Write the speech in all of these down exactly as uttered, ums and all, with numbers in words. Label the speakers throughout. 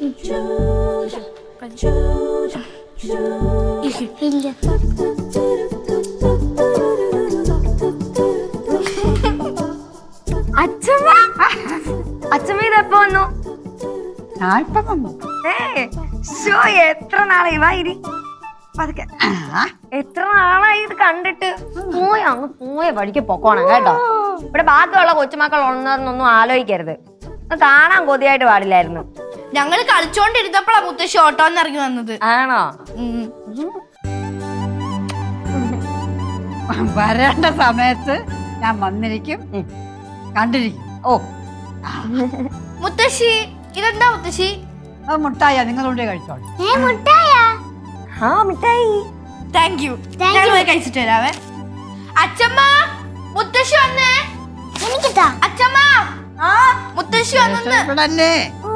Speaker 1: അച്ഛമ്മ അച്ഛമ്മ ഇതെപ്പോ വന്നു? എത്ര നാളായി വായിരി പതുക്കെ എത്ര നാളായി ഇത് കണ്ടിട്ട്. പോയ അങ്ങ് പോയ വഴിക്ക് പൊക്കോണം കേട്ടോ. ഇവിടെ ബാക്കിയുള്ള കൊച്ചുമക്കൾ ഉണ്ടെന്നൊന്നും ആലോചിക്കരുത്. കാണാൻ കൊതിയായിട്ട് പാടില്ലായിരുന്നു.
Speaker 2: ഞങ്ങള് കളിച്ചോണ്ടിരുന്നപ്പോഴാ മുത്തശ്ശി ഓട്ടോന്ന് ഇറങ്ങി വന്നത്.
Speaker 1: ആണോ?
Speaker 3: വരേണ്ട സമയത്ത് ഞാൻ വന്നിരിക്കും, കണ്ടിരിക്കും. ഓ
Speaker 2: മുത്തശ്ശി ഇതെന്താ മുത്തശ്ശി?
Speaker 3: അത് മുട്ടായ, നിങ്ങളുടെ കഴിച്ചോളൂ.
Speaker 1: ആ മിഠായി.
Speaker 2: Thank you. ഞങ്ങൾ പോയി കഴിച്ചിട്ട് വരാവേ. അച്ഛമ്മ മുത്തശ്ശി വന്നേ. അച്ഛമ്മ മുത്തശ്ശി വന്നേ.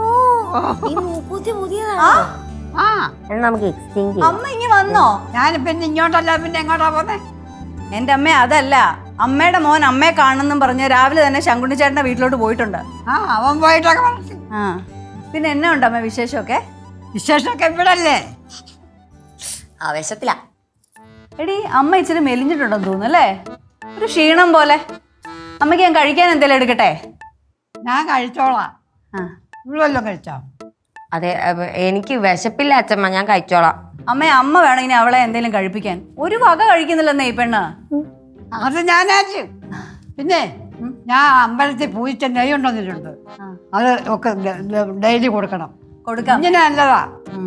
Speaker 1: നമുക്ക് എക്സ്ചേഞ്ച്.
Speaker 4: അമ്മ ഇനി വന്നോ?
Speaker 3: ഞാനിപ്പോ ഇങ്ങോട്ടല്ല പിന്നെ എങ്ങോട്ടാ പോന്നെ?
Speaker 4: എന്റെ അമ്മ അതല്ല, അമ്മയുടെ മോൻ അമ്മയെ കാണുന്നെന്നും പറഞ്ഞ് രാവിലെ തന്നെ ശങ്കുണ്ണി ചേട്ടന്റെ വീട്ടിലോട്ട് പോയിട്ടുണ്ട്.
Speaker 3: ആ അവൻ പോയിട്ടൊക്കെ പറഞ്ഞു.
Speaker 4: ആ പിന്നെ എന്നാ ഉണ്ട് അമ്മ വിശേഷമൊക്കെ?
Speaker 3: വിശേഷമൊക്കെ ഇവിടല്ലേ?
Speaker 1: ആവേശത്തിലാ.
Speaker 4: എടി അമ്മ ഇച്ചിരി മെലിഞ്ഞിട്ടുണ്ടെന്ന് തോന്നുന്നു അല്ലേ? ഒരു ക്ഷീണം പോലെ. അമ്മയ്ക്ക് ഞാൻ കഴിക്കാൻ എന്തെങ്കിലും എടുക്കട്ടെ?
Speaker 3: ഞാൻ കഴിച്ചോളാം.
Speaker 4: ആ
Speaker 3: ഇവിടെ വല്ലതും കഴിച്ചോ?
Speaker 1: അതെ, എനിക്ക് വിശപ്പില്ല അച്ഛമ്മ, ഞാൻ കഴിച്ചോളാം.
Speaker 4: അമ്മ അമ്മ വേണം ഇനി അവളെ എന്തെങ്കിലും കഴിപ്പിക്കാൻ. ഒരു വക കഴിക്കുന്നില്ലെന്നേ ഈ പെണ്ണ്.
Speaker 3: അത് ഞാനാച്ചു. പിന്നെ ഞാൻ അമ്പലത്തിൽ പൂച്ച നെയ്യ് കൊണ്ടുവന്നിട്ടുണ്ട്. അത് ഒക്കെ ഡെയിലി കൊടുക്കണം.
Speaker 4: കൊടുക്കാം.
Speaker 3: ഇങ്ങനെ നല്ലതാ.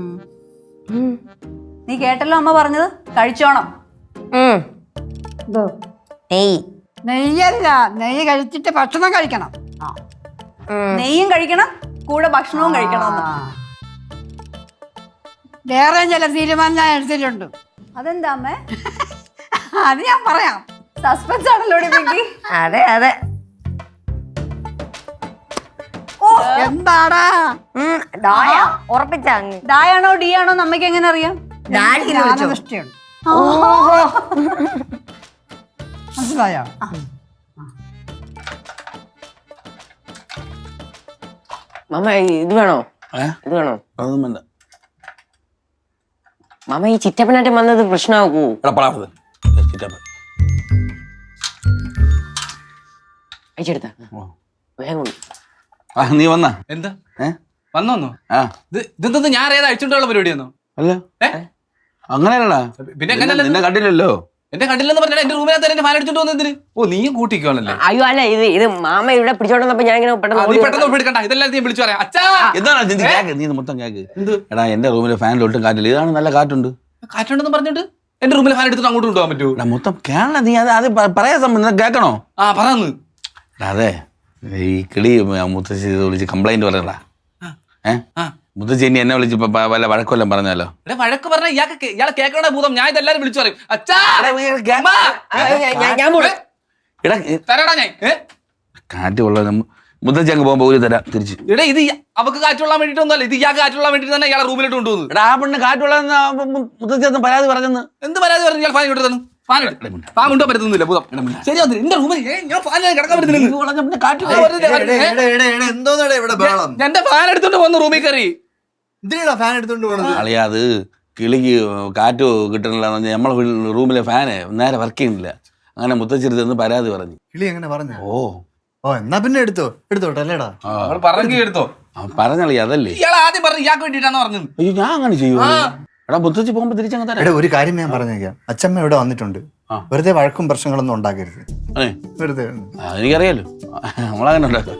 Speaker 4: നീ കേട്ടല്ലോ അമ്മ പറഞ്ഞത്, കഴിച്ചോണം.
Speaker 1: നെയ്യ്
Speaker 3: നെയ്യല്ല, നെയ്യ് കഴിച്ചിട്ട് ഭക്ഷണം കഴിക്കണം.
Speaker 4: നെയ്യും കഴിക്കണം, കൂടെ ഭക്ഷണവും കഴിക്കണം.
Speaker 3: വേറെ ചില തീരുമാനം ഞാൻ എടുത്തിട്ടുണ്ട്.
Speaker 4: അതെന്താ അമ്മേ?
Speaker 3: അത് ഞാൻ പറയാം.
Speaker 4: സസ്പെൻസ് ആണല്ലോ.
Speaker 1: അതെ അതെ.
Speaker 3: എന്താടാ
Speaker 1: ഉറപ്പിച്ച
Speaker 4: ഡായാണോ ഡി ആണോ അമ്മയ്ക്ക് എങ്ങനെ അറിയാം?
Speaker 3: ജ്ഞാനനിഷ്ഠയുണ്ട്. മനസ്സിലായോ?
Speaker 5: മാമ ഇത് വേണോ? ഇത് വേണോ?
Speaker 6: അതൊന്നും വേണ്ട
Speaker 5: മാമ. ഈ ചിറ്റപ്പനായിട്ട് വന്നത് പ്രശ്നമാക്കൂ. അയച്ചെടുത്ത വേഗം.
Speaker 6: നീ വന്നാ?
Speaker 7: എന്താ വന്നോന്നോ? ഇത് ഇതെന്താ ഞാൻ ഏതാ അഴിച്ചുകൊണ്ടുള്ള പരിപാടിയാന്നോ?
Speaker 6: അല്ല അങ്ങനെയല്ലടാ.
Speaker 7: പിന്നെ
Speaker 6: നിന്നെ കണ്ടില്ലല്ലോ.
Speaker 7: എന്നെ കണ്ടില്ലെന്ന് പറഞ്ഞാൽ എന്റെ റൂമിനകത്ത് എന്റെ ഫാൻ അടിച്ചോണ്ട് വന്നതിന്. ഓ നീയും കൂട്ടിക്കോണല്ലേ?
Speaker 5: അയ്യോ അല്ല, ഇത് ഇത് മാമ ഇവിടെ പിടിച്ചോണ്ടപ്പോ ഞാൻ ഇങ്ങനെ പെട്ടെന്ന്
Speaker 7: പെട്ടെന്ന് എടുക്കണ്ട. ഇതെല്ലാം നീ വിളിച്ചു പറയാം. അച്ഛാ
Speaker 6: എന്താണ് നീ മൊത്തം കേക്ക്? എടാ എന്റെ റൂമിലെ ഫാനിൽ ഒട്ടും കാറ്റില്ല. ഇതാണ് നല്ല കാറ്റുണ്ട്.
Speaker 7: കാറ്റുണ്ടെന്ന് പറഞ്ഞിട്ട് എന്റെ റൂമിലെ ഫാൻ എടുത്തിട്ട് അങ്ങോട്ട് കൊണ്ടുപോകാൻ പറ്റുമോ?
Speaker 6: മൊത്തം കേരള നീ അത് അത് പറയാൻ സംബന്ധം കേൾക്കണോ?
Speaker 7: ആ പറന്ന്.
Speaker 6: അതെ ഈ കിളി മുത്തശ്ശി വിളിച്ച് കംപ്ലൈന്റ് പറയടാ. ഏഹ് മുത്തശ്ശി ഇനി എന്നെ വിളിച്ച് വല്ല വഴക്കൊല്ലം പറഞ്ഞാലോ?
Speaker 7: വഴക്ക് പറഞ്ഞ ഇയാൾക്ക് ഇയാളെ കേൾക്കണ ഭൂതം. ഞാൻ ഇതെല്ലാരും വിളിച്ചു പറയും. അച്ഛാ തരാടാ ഞാൻ
Speaker 6: കാറ്റ് കൊള്ളാം. മുത്തശ്ശി അങ്ങ് പോകുമ്പോ ഒരു തരാം തിരിച്ച്.
Speaker 7: ഇവിടെ ഇത് അവക്ക് കാറ്റുകൊള്ളാൻ വേണ്ടിട്ടൊന്നുമല്ല, ഇത് ഇയാൾക്ക് കാറ്റുകൊള്ളാൻ വേണ്ടിട്ട് തന്നെ ഇയാളെ റൂമിലോട്ട് കൊണ്ടുപോകുന്നു.
Speaker 6: എടാ ആ പെണ്ണ് കാറ്റുകൊള്ളാൻ മുത്തശ്ശി ഒന്ന് പരാതി പറഞ്ഞെന്ന്.
Speaker 7: എന്ത് പരാതി പറഞ്ഞു? ഇയാൾ ഫാൻ ഇങ്ങോട്ട് തന്നു. ഫാൻ ഫാൻ കൊണ്ടുപോകാൻ പറ്റുന്നില്ല ഭൂതം. ശരി എന്റെ റൂമിൽ ഞാൻ ഫാൻ കിടക്കാൻ പറ്റുന്നില്ല. എന്റെ ഫാൻ എടുത്തോണ്ട് പോകുന്നു റൂമിൽ കയറി.
Speaker 8: ഫാൻ എടുത്തോണ്ട് പോകണത്
Speaker 6: അളിയാ അത് കിളിക്ക് കാറ്റ് കിട്ടണില്ല. നമ്മളെ റൂമിലെ ഫാന് നേരെ വർക്ക് ചെയ്യുന്നില്ല. അങ്ങനെ മുത്തശ്ശി എന്ന് പരാതി പറഞ്ഞു.
Speaker 8: കിളി എങ്ങനെ പറഞ്ഞു?
Speaker 6: ഓ
Speaker 8: ഓ എന്നാ പിന്നെ എടുത്തോ എടുത്തോട്ടെ അല്ലേടാ.
Speaker 7: പറഞ്ഞു എടുത്തോ
Speaker 6: പറഞ്ഞളി അതല്ലേ.
Speaker 7: ഇയാൾ ആദ്യം പറഞ്ഞു ഇയാൾക്ക് വേണ്ടിട്ടാണ് പറഞ്ഞത്.
Speaker 6: അയ്യോ ഞാൻ അങ്ങനെ ചെയ്യൂ. എടാ മുത്തശ്ശി പോകുമ്പോ തിരിച്ചങ്ങ് തരാം.
Speaker 8: ഒരു കാര്യം ഞാൻ പറഞ്ഞേക്കാം. അച്ഛമ്മ ഇവിടെ വന്നിട്ടുണ്ട്. വെറുതെ വഴക്കും പ്രശ്നങ്ങളൊന്നും ഉണ്ടാക്കരുത്. വെറുതെ
Speaker 6: എനിക്കറിയാലോ നമ്മളങ്ങനെ ഉണ്ടാക്കാം.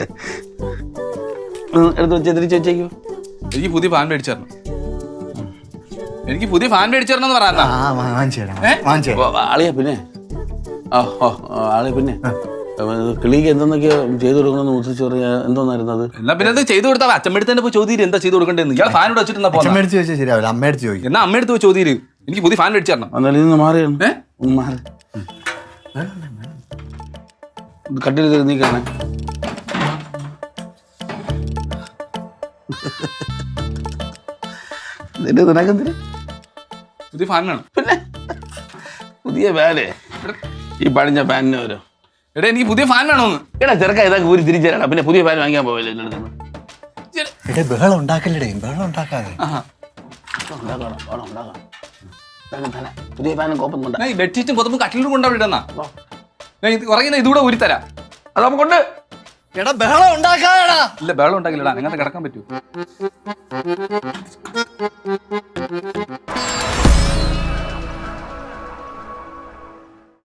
Speaker 6: എടുത്ത് വെച്ച് തിരിച്ചു വെച്ചേക്കോ.
Speaker 7: എനിക്ക് പുതിയ ഫാൻ മേടിച്ചു തരണം. എനിക്ക് പുതിയ ഫാൻ മേടിച്ചു തരണം എന്ന് പറയാ.
Speaker 6: ആളിയാ പിന്നെ ഓ ഓ ആളിയാ പിന്നെ കിളിക്ക് എന്തെന്നൊക്കെയോ ചെയ്തു കൊടുക്കണമെന്ന് മുത്തശ്ശി പറയാ. എന്തോന്നായിരുന്നു അത്?
Speaker 7: എന്നാ പിന്നെ അത് ചെയ്തു കൊടുത്താൽ അച്ഛമ്മടുത്ത് തന്നെ പോയി ചോദ്യം എന്താ ചെയ്തു കൊടുക്കേണ്ടത്? ഇയാൾ ഫാൻ ഇവിടെ വെച്ചിട്ടുണ്ടാ
Speaker 8: മേടിച്ചു വെച്ചാൽ ശരിയാവില്ല. അമ്മ എടുത്ത് ചോദിക്കും.
Speaker 7: എന്നാ അമ്മ എടുത്ത് പോയി ചോദ്യം എനിക്ക് പുതിയ ഫാൻ മേടിച്ചു തരണം.
Speaker 6: എന്നാലും ഇന്ന് മാറിയാണ് മാറി കട്ടിൽ നീ കാണാൻ.
Speaker 7: പുതിയ ഫാൻ വേണം.
Speaker 6: പിന്നെ പുതിയ ഫാനേ ഈ പഴഞ്ഞ ഫാനിന് വരും.
Speaker 7: എടാ എനിക്ക് പുതിയ ഫാൻ വേണോന്ന്.
Speaker 6: എടാ ചെറുക്ക ഇതൊക്കെ ഊരി തിരിച്ചു തരാടാ. പിന്നെ പുതിയ ഫാൻ വാങ്ങിക്കാൻ പോവില്ല.
Speaker 8: എടേ ബഹളം ഉണ്ടാക്കല്ലേ ബഹളം ഉണ്ടാക്കാതെ
Speaker 7: ആഹാ.
Speaker 6: ഉണ്ടാക്കണം, വേണം, ഉണ്ടാക്കണം. ഇതൊക്കെ തന്നെ. പുതിയ ഫാനും കോപ്പം കൊണ്ട
Speaker 7: ഞാൻ ഈ ബെഡ്ഷീറ്റും പുതപ്പും കട്ടിലും കൊണ്ട് അവിടെ ഇടുന്ന ഞാൻ ഇത് ഉറങ്ങുന്ന ഇതുകൂടെ ഊരിത്തരാം അത് നമുക്കുണ്ട്.
Speaker 8: എടാ ബഹളം ഉണ്ടാക്കാതെടാ.
Speaker 7: ഇല്ല ബഹളം ഉണ്ടാക്കില്ലടാ അങ്ങനത്തെ കിടക്കാൻ പറ്റൂ.